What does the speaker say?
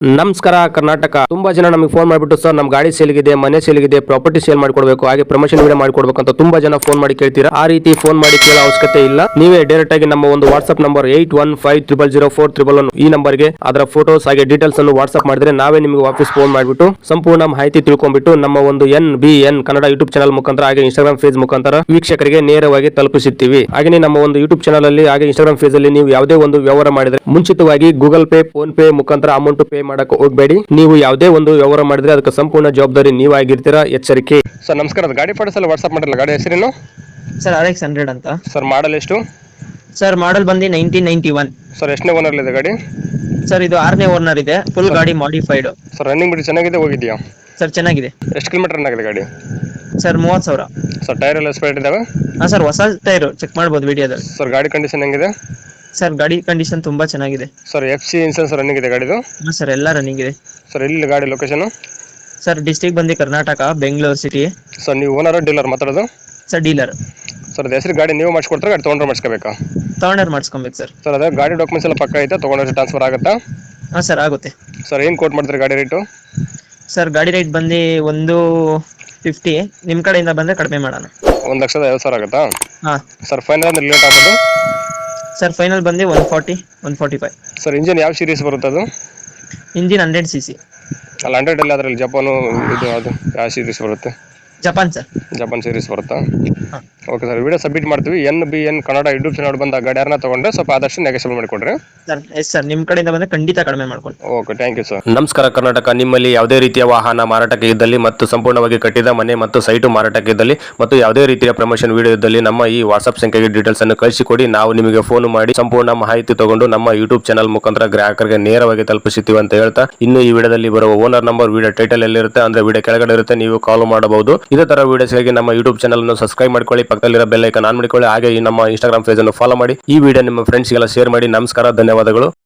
ನಮಸ್ಕಾರ ಕರ್ನಾಟಕ. ತುಂಬಾ ಜನ ನಮಗೆ ಫೋನ್ ಮಾಡಿಬಿಟ್ಟು ಸರ್ ನಮ್ಮ ಗಾಡಿ ಸೇಲ್ಗಿದೆ, ಮನೆ ಸೇಲ್ಗಿದೆ, ಪ್ರಾಪರ್ಟಿ ಸೇಲ್ ಮಾಡ್ಕೊಡ್ಬೇಕು, ಹಾಗೆ ಪ್ರಮೋಷನ್ ವಿಡಿಯೋ ಮಾಡ್ಕೊಡ್ಬೇಕು ಅಂತ ತುಂಬಾ ಜನ ಫೋನ್ ಮಾಡಿ ಕೇಳ್ತೀರಾ. ಆ ರೀತಿ ಫೋನ್ ಮಾಡಿ ಕೇಳೋ ಅವಶ್ಯಕತೆ ಇಲ್ಲ. ನೀವೇ ಡೈರೆಕ್ಟ್ ಆಗಿ ನಮ್ಮ ಒಂದು ವಾಟ್ಸ್ಆಪ್ ನಂಬರ್ 81500411 ಈ ನಂಬರ್ಗೆ ಅದರ ಫೋಟೋಸ್ ಹಾಗೆ ಡೀಟೇಲ್ಸ್ ಅನ್ನು ವಾಟ್ಸ್ಆಪ್ ಮಾಡಿದ್ರೆ ನಾವೇ ನಿಮಗೆ ವಾಪಸ್ ಫೋನ್ ಮಾಡಿಬಿಟ್ಟು ಸಂಪೂರ್ಣ ಮಾಹಿತಿ ತಿಳ್ಕೊಂಡ್ಬಿಟ್ಟು ನಮ್ಮ ಒಂದು NBN ಕನ್ನಡ ಯೂಟ್ಯೂಬ್ ಚಾನಲ್ ಮುಖಾಂತರ ಹಾಗೆ ಇನ್ಸ್ಟಾಗ್ರಾಮ್ ಪೇಜ್ ಮುಖಾಂತರ ವೀಕ್ಷಕರಿಗೆ ನೇರವಾಗಿ ತಲುಪಿಸುತ್ತೀವಿ. ಹಾಗೆ ನಮ್ಮ ಒಂದು ಯೂಟ್ಯೂಬ್ ಚಾನಲ್ ಅಲ್ಲಿ ಹಾಗೆ ಇನ್ಸ್ಟಾಗ್ರಾಮ್ ಪೇಜ್ ಅಲ್ಲಿ ನೀವು ಯಾವುದೇ ಒಂದು ವ್ಯವಹಾರ ಮಾಡಿದ್ರೆ ಮುಂಚಿತವಾಗಿ ಗೂಗಲ್ ಪೇ, ಫೋನ್ ಪೇ ಮುಖಾಂತರ ಅಮೌಂಟ್ ಪೇ ಮಾಡಕ್ಕೆ ಹೋಗಬೇಡಿ. ನೀವು ಯಾವುದೇ ಒಂದು ವ್ಯವಹಾರ ಮಾಡಿದ್ರೆ ಅದಕ್ಕೆ ಸಂಪೂರ್ಣ ಜವಾಬ್ದಾರಿ ನೀವಾಗಿರ್ತೀರಾ, ಎಚ್ಚರಿಕೆ. ಸರ್ ನಮಸ್ಕಾರ, ಗಾಡಿ ಫೋಟೋಸ್ ಎಲ್ಲ ವಾಟ್ಸ್ಆಪ್ ಮಾಡಿರಲ್ಲ, ಗಾಡಿ ಹೆಸರೇನು? ಸರ್ RX 100 ಅಂತ. ಸರ್ ಮಾಡಲ್ ಎಷ್ಟು? ಸರ್ ಮಾಡಲ್ ಬಂದು 1991. ಸರ್ ಎಷ್ಟನೇ ಓನರ್ ಇದೆ ಗಾಡಿ? ಸರ್ ಇದು 6ನೇ ಓನರ್ ಇದೆ, ಫುಲ್ ಗಾಡಿ ಮಾಡಿಫೈಡ್. ಸರ್ ರನ್ನಿಂಗ್ ಬಿಡಿ ಚೆನ್ನಾಗಿದೆ, ಹೋಗಿದ್ಯಾ? ಸರ್ ಚೆನ್ನಾಗಿದೆ. ಎಷ್ಟು ಕಿಲೋಮೀಟರ್ ರನ್ ಆಗಿದೆ ಗಾಡಿ? ಸರ್ 30,000. ಸರ್ ಟೈರ್ ಎಲ್ಲ ಸ್ಪೇರ್ ಇದಾವೆ? ಹಾ ಸರ್, ಹೊಸ ಟೈರ್ ಚೆಕ್ ಮಾಡ್ಬೋದು ವಿಡಿಯೋದಲ್ಲಿ. ಸರ್ ಗಾಡಿ ಕಂಡೀಷನ್ ಹೆಂಗಿದೆ? ಸರ್ ಗಾಡಿ ಕಂಡೀಷನ್ ತುಂಬಾ ಚೆನ್ನಾಗಿದೆ. ಸರ್ FC ಇನ್ಸೂರೆನ್ಸ್ ರನ್ನಿಂಗ್ ಇದೆ ಗಾಡಿದು? ಹಾ ಸರ್, ಎಲ್ಲ ರನ್ನಿಂಗ್ ಇದೆ. ಸರ್ ಎಲ್ಲಿ ಗಾಡಿ ಲೊಕೇಶನ್? ಸರ್ ಡಿಸ್ಟ್ರಿಕ್ಟ್ ಬಂದು ಕರ್ನಾಟಕ, ಬೆಂಗಳೂರು ಸಿಟಿ. ಸರ್ ನೀವು ಓನರ್ ಡೀಲರ್ ಮಾತಾಡೋದು? Sir dealer. ಸರ್ ಅದು ಹೆಸರು ಗಾಡಿ ನೀವು ಮಾಡಿಸ್ಕೊಡ್ತಾರೆ, ಗಾಡಿ ತೊಗೊಂಡ್ರೆ ಮಾಡಿಸ್ಕೋಬೇಕಾ? ತಗೊಂಡರ್ ಮಾಡಿಸ್ಕೊಬೇಕು ಸರ್. ಸರ್ ಅದೇ ಗಾಡಿ ಡಾಕ್ಯುಮೆಂಟ್ಸ್ ಎಲ್ಲ ಪಕ್ಕ ಐತೆ, ತೊಗೊಂಡ್ರೆ ಟ್ರಾನ್ಸ್ಫರ್ ಆಗುತ್ತಾ? ಹಾ ಸರ್ ಆಗುತ್ತೆ. ಸರ್ ಏನು ಕೋಟ್ ಮಾಡ್ತೀರಿ ಗಾಡಿ ರೇಟು? ಸರ್ ಗಾಡಿ ರೇಟ್ ಬಂದು 150. ನಿಮ್ಮ ಕಡೆಯಿಂದ ಬಂದ್ರೆ ಕಡಿಮೆ ಮಾಡೋಣ. 1,50,000 ಆಗುತ್ತಾ? ಹಾ ಸರ್ ಫೈನಲ್ ಅಂದ್ರೆ ಲೇಟ್ ಆಗೋದು? ಸರ್ ಫೈನಲ್ ಬಂದು 140, 145. ಸರ್ ಇಂಜಿನ್ ಯಾವ ಸೀರೀಸ್ ಬರುತ್ತೆ ಅದು? Engine 100cc. ಅಲ್ಲ 100 ಅಲ್ಲಿ ಅದರಲ್ಲಿ ಜಪಾನು ಇದು ಅದು ಯಾವ ಸೀರೀಸ್ ಬರುತ್ತೆ? Japan sir. ಜಪಾನ್ ಸೀರೀಸ್ ಬರುತ್ತಾ? ಹಾ. ಓಕೆ ಸರ್, ವಿಡಿಯೋ ಸಬ್ಮಿಟ್ ಮಾಡ್ತೀವಿ. NBN ಕನ್ನಡ ಯೂಟ್ಯೂಬ್ ಚಾನಲ್ ಬಂದ ಗಾಡಿ ಯಾರನ್ನ ತೊಗೊಂಡ್ರೆ ಸ್ವಲ್ಪ ಆದಷ್ಟು ನೆಗೆಸಬಲ್ ಮಾಡಿಕೊಡ್ರಿ. ಸರ್ ಎಸ್ ಸರ್, ನಿಮ್ಮ ಕಡೆಯಿಂದ ಬಂದ್ರೆ ಖಂಡಿತ ಕಡಿಮೆ ಮಾಡ್ಕೊಂಡು. Okay, thank you sir. ನಮಸ್ಕಾರ ಕರ್ನಾಟಕ. ನಿಮ್ಮಲ್ಲಿ ಯಾವುದೇ ರೀತಿಯ ವಾಹನ ಮಾರಾಟಕ್ಕೆ ಇದ್ದಲ್ಲಿ ಮತ್ತು ಸಂಪೂರ್ಣವಾಗಿ ಕಟ್ಟಿದ ಮನೆ ಮತ್ತು ಸೈಟು ಮಾರಾಟಕ್ಕೆ ಇದ್ದಲ್ಲಿ ಮತ್ತು ಯಾವುದೇ ರೀತಿಯ ಪ್ರಮೋಷನ್ ವಿಡಿಯೋ ಇದ್ದಲ್ಲಿ ನಮ್ಮ ಈ ವಾಟ್ಸ್ಆಪ್ ಸಂಖ್ಯೆಗೆ ಡೀಟೇಲ್ಸ್ ಅನ್ನು ಕಳಿಸಿಕೊಡಿ. ನಾವು ನಿಮಗೆ ಫೋನ್ ಮಾಡಿ ಸಂಪೂರ್ಣ ಮಾಹಿತಿ ತಗೊಂಡು ನಮ್ಮ ಯೂಟ್ಯೂಬ್ ಚಾನಲ್ ಮುಖಾಂತರ ಗ್ರಾಹಕರಿಗೆ ನೇರವಾಗಿ ತಲುಪಿಸುತ್ತೀವಿ ಅಂತ ಹೇಳ್ತಾ, ಇನ್ನು ಈ ವಿಡಿಯೋದಲ್ಲಿ ಬರುವ ಓನರ್ ನಂಬರ್ ವಿಡಿಯೋ ಟೈಟಲ್ ಎಲ್ಲಿರುತ್ತೆ ಅಂದ್ರೆ ವಿಡಿಯೋ ಕೆಳಗಡೆ ಇರುತ್ತೆ, ನೀವು ಕಾಲ್ ಮಾಡಬಹುದು. ಇದೇ ತರ ವಿಡಿಯೋಸ್ಗಾಗಿ ನಮ್ಮ ಯೂಟ್ಯೂಬ್ ಚಾನಲ್ ಅನ್ನು ಸಬ್ಸ್ಕ್ರೈಬ್ ಮಾಡ್ಕೊಳ್ಳಿ, ಪಕ್ಕದಲ್ಲಿರೋ ಬೆಲ್ ಐಕಾನ್ ಆನ್ ಮಾಡಿಕೊಳ್ಳಿ, ಹಾಗೆ ಈ ನಮ್ಮ ಇನ್ಸ್ಟಾಗ್ರಾಮ್ ಪೇಜ್ ಅನ್ನು ಫಾಲೋ ಮಾಡಿ. ಈ ವಿಡಿಯೋ ನಿಮ್ಮ ಫ್ರೆಂಡ್ಸ್ಗೆಲ್ಲ ಶೇರ್ ಮಾಡಿ. ನಮಸ್ಕಾರ, ಧನ್ಯವಾದಗಳು.